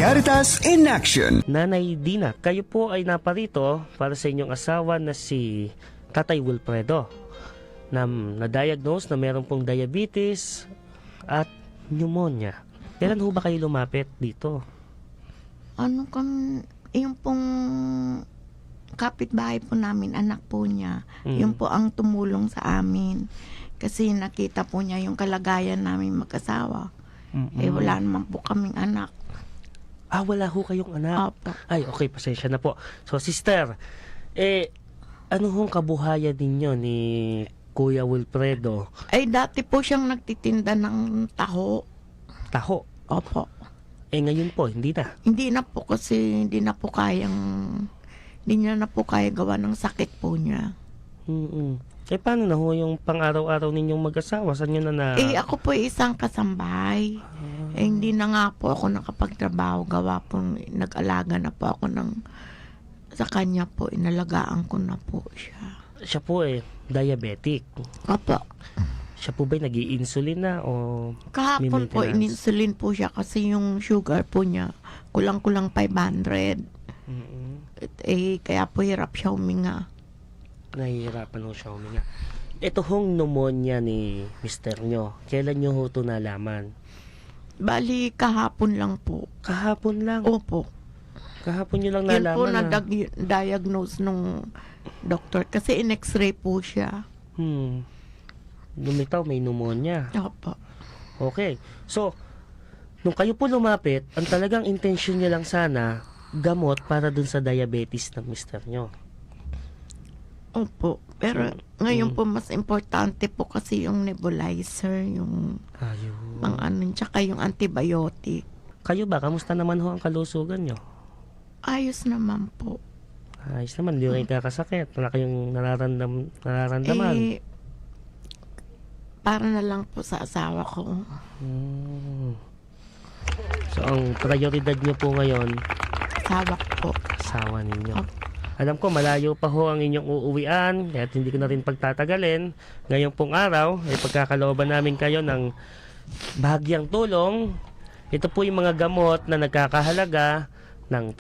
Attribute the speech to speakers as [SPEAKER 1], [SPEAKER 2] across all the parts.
[SPEAKER 1] Caritas in Action.
[SPEAKER 2] Nanay Dina, kayo po ay naparito para sa inyong asawa na si Tatay Wilfredo na na-diagnose na meron pong diabetes at pneumonia. Kailan ho ba kayo lumapit dito?
[SPEAKER 3] Yung pong kapitbahay po namin, anak po niya, yung po ang tumulong sa amin. Kasi nakita po niya yung kalagayan namin mag-asawa. Wala naman po kaming anak.
[SPEAKER 2] Wala ho kayong anak?
[SPEAKER 3] Opo.
[SPEAKER 2] Ay, okay, pasensya na po. So, sister, ano hong kabuhayan ninyo ni Kuya Wilfredo?
[SPEAKER 3] Ay, dati po siyang nagtitinda ng taho.
[SPEAKER 2] Taho?
[SPEAKER 3] Opo.
[SPEAKER 2] Ngayon po, hindi na.
[SPEAKER 3] Hindi na po kasi hindi niya na po kaya gawa ng sakit po niya.
[SPEAKER 2] Paano na ho yung pang-araw-araw ninyong mag-asawa? Saan nyo na
[SPEAKER 3] Ako po isang kasambahay. Hindi na nga po ako nakapagtrabaho. Gawa po, nag-alaga na po ako sa kanya po. Inalagaan ko na po siya.
[SPEAKER 2] Siya po diabetic.
[SPEAKER 3] Opo.
[SPEAKER 2] Siya po ba'y nag-i-insulin na o
[SPEAKER 3] Kahapon po,
[SPEAKER 2] maintenance?
[SPEAKER 3] ininsulin po siya kasi yung sugar po niya, kulang-kulang 500. Kaya po hirap siya huminga.
[SPEAKER 2] Nahihirapan ho siya huminga. Ito hong pneumonia ni mister nyo, kailan nyo ho ito nalaman?
[SPEAKER 3] Bali, kahapon lang po.
[SPEAKER 2] Kahapon lang?
[SPEAKER 3] Opo.
[SPEAKER 2] Kahapon nyo lang
[SPEAKER 3] Yun
[SPEAKER 2] nalaman
[SPEAKER 3] po na-diagnose nung doktor kasi in-x-ray po siya.
[SPEAKER 2] Lumitaw, may pneumonia.
[SPEAKER 3] Opo.
[SPEAKER 2] Okay. So, nung kayo po lumapit, ang talagang intensyon niya lang sana, gamot para dun sa diabetes ng mister nyo.
[SPEAKER 3] Opo. Pero ngayon po mas importante po kasi yung nebulizer, yung tsaka yung antibiotic.
[SPEAKER 2] Kayo ba? Kamusta naman ho ang kalusugan nyo?
[SPEAKER 3] Ayos naman po.
[SPEAKER 2] Ayos naman, hindi kayo kakasakit. Wala kayong nararamdaman.
[SPEAKER 3] Para na lang po sa asawa ko.
[SPEAKER 2] So, ang prioridad nyo po ngayon,
[SPEAKER 3] Asawa ko po.
[SPEAKER 2] asawa ninyo. Alam ko, malayo pa ho ang inyong uuwian, kaya hindi ko na rin pagtatagalin. Ngayong pong araw, ay pagkakalooban namin kayo ng bahagyang tulong. Ito po yung mga gamot na nagkakahalaga ng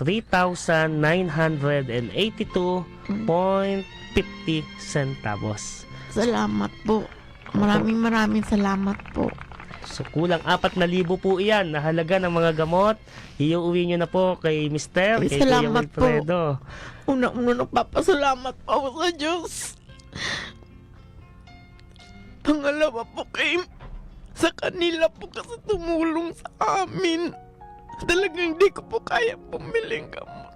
[SPEAKER 2] 3,982.50 centavos.
[SPEAKER 3] Salamat po. Maraming salamat po.
[SPEAKER 2] So, kulang 4,000 po iyan na halaga ng mga gamot. Iuwi nyo na po kay Mister, kay Kuya
[SPEAKER 3] Salamat po.
[SPEAKER 2] Wilfredo.
[SPEAKER 3] Unang-una nagpapasalamat po ako sa Diyos. Pangalawa po sa kanila po kasi tumulong sa amin. Talagang hindi ko po kaya pumiling gamot.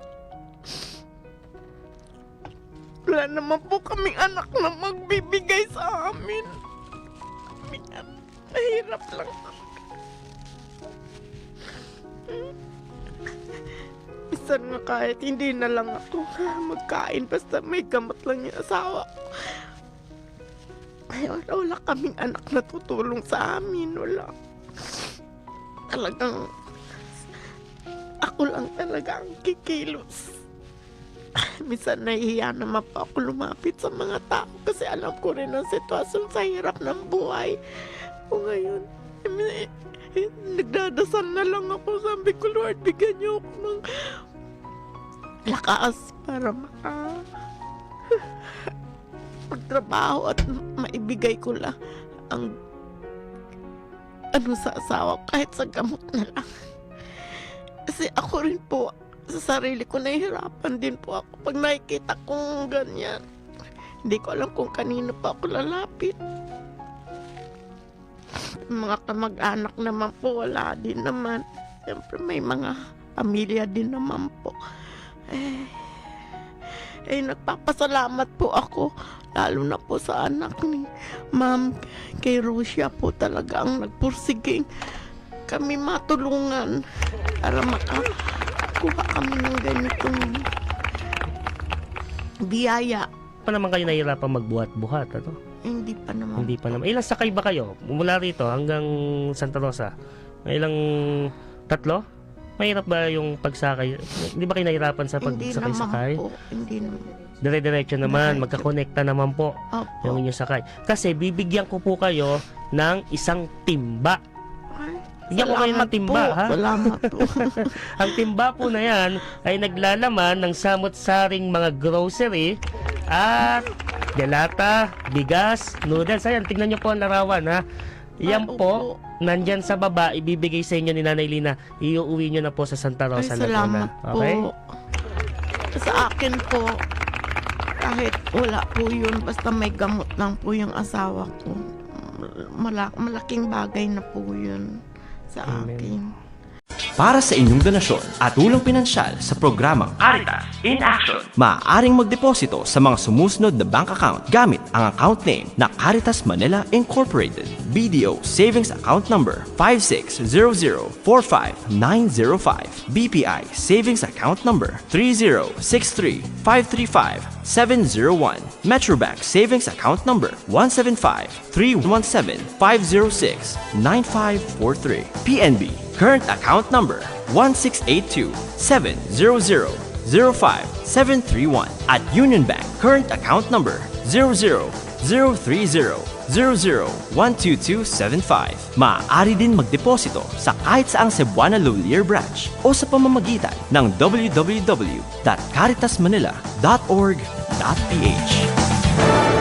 [SPEAKER 3] Wala naman po kaming anak na magbibigay sa amin. Mahirap lang. Minsan nga kahit hindi na lang ako magkain basta may gamot lang yung asawa ko. Ay, wala kaming anak na tutulong sa amin. Wala. Talagang ako lang talaga ang kikilos. Minsan nahihiya naman po ako lumapit sa mga tao kasi alam ko rin ang sitwasyon sa hirap ng buhay. O ngayon, nagdadasal na lang ako. Sabi ko, Lord, bigyan niyo ako ng lakas para magtrabaho at maibigay ko lang ang sa asawa kahit sa gamot na lang. Kasi ako rin po, sa sarili ko nahihirapan din po ako pag nakikita kong ganyan. Hindi ko alam kung kanino pa ako lalapit. Mga kamag-anak naman po, wala din naman. Siyempre may mga pamilya din naman po. Nagpapasalamat po ako, lalo na po sa anak ni Ma'am, kay Rosia po talaga ang nagpursiging kami matulungan para makakuha kami ng ganitong biyaya.
[SPEAKER 2] Pa naman kayo nahihirapan magbuhat-buhat, ano?
[SPEAKER 3] Hindi pa naman.
[SPEAKER 2] Hindi pa naman. Ilang sakay ba kayo? Mula rito hanggang Santa Rosa? May ilang tatlo? Mahirap ba yung pagsakay? Hindi ba kayo nahihirapan sa pagsakay-sakay?
[SPEAKER 3] Hindi naman po. Hindi naman.
[SPEAKER 2] Dire-diretso naman. Magkakonekta naman po
[SPEAKER 3] Opo.
[SPEAKER 2] yung inyong sakay. Kasi bibigyan ko po kayo ng isang timba. Bigyan ko kayo ng timba, ha?
[SPEAKER 3] Salamat po.
[SPEAKER 2] Ang timba po na yan ay naglalaman ng samot-saring mga grocery at delata, bigas, noodles. Ayan, tignan nyo po ang larawan, ha? Yan
[SPEAKER 3] Ay,
[SPEAKER 2] po, nandyan sa baba, ibibigay sa inyo ni Nanay Lina. Iuwi nyo na po sa Santa
[SPEAKER 3] Ay,
[SPEAKER 2] Rosa,
[SPEAKER 3] salamat
[SPEAKER 2] Laguna.
[SPEAKER 3] po.
[SPEAKER 2] Okay?
[SPEAKER 3] Sa akin po, kahit wala po yun, basta may gamot lang po yung asawa ko. Malaking bagay na po yun sa
[SPEAKER 2] Amen.
[SPEAKER 3] akin.
[SPEAKER 1] Para sa inyong donasyon at tulong pinansyal sa programang Caritas in Action, maaaring magdeposito sa mga sumusunod na bank account gamit ang account name na Caritas Manila Incorporated. BDO Savings Account Number 560045905. BPI Savings Account Number 3063535-701. Metrobank Savings Account Number 1753175069543. PNB Current Account Number 16827000571. At Union Bank Current Account Number 0003000122275. Maaari din magdeposito sa kahit saang Cebuana Lolier branch o sa pamamagitan ng www.caritasmanila.org.ph.